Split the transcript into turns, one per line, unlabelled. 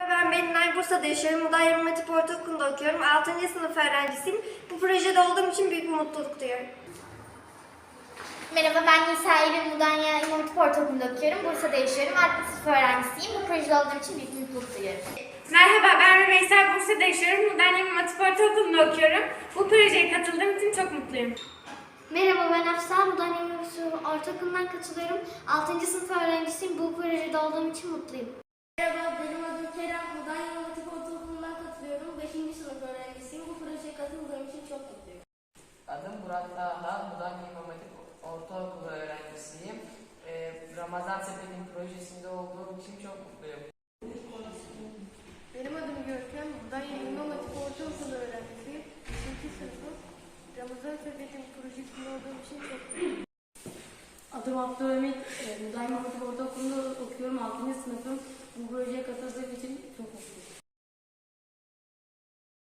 Ben Belinay, Bursa'da yaşıyorum. Mudanya İmam Hatip Ortaokulu'nda okuyorum. 6. sınıf öğrencisiyim. Bu projede olduğum için büyük bir mutluluk duyuyorum.
Merhaba, ben Nisa Eylül, Mudanya İmam Hatip Ortaokulu'nda okuyorum. Bursa'da yaşıyorum. 6. sınıf öğrencisiyim. Bu projede olduğum için büyük bir mutluluk duyuyorum.
Merhaba, ben Rümeysa, Bursa'da yaşıyorum. Mudanya İmam Hatip Ortaokulu'nda okuyorum. Bu projeye katıldığım için çok mutluyum.
Merhaba, ben Afsa, Mudanya İmam Hatip Ortaokulu'ndan katılıyorum. 6. sınıf öğrencisiyim. Bu projede olduğum için mutluyum.
Merhaba, benim adım Kerem. Mudanya İmam Hatip Ortaokulu'ndan katılıyorum. 5. sınıf öğrencisiyim. Bu projeye katıldığım için çok mutluyum.
Adım Burak Taha, Mudanya İmam Hatip Ortaokulu öğrencisiyim. Ramazan Sepeti'nin projesinde olduğum için çok mutluyum.
Benim adım Görkem. Mudanya İmam Hatip Ortaokulu öğrencisiyim. 2. sınıfım. Ramazan Sepeti'nin projesinde olduğum için çok mutluyum.
Adım Abdülhamit, Mudanya İmam Hatip Ortaokulu'nda okuyorum. 6. sınıfım. Bu projeye katıldığım için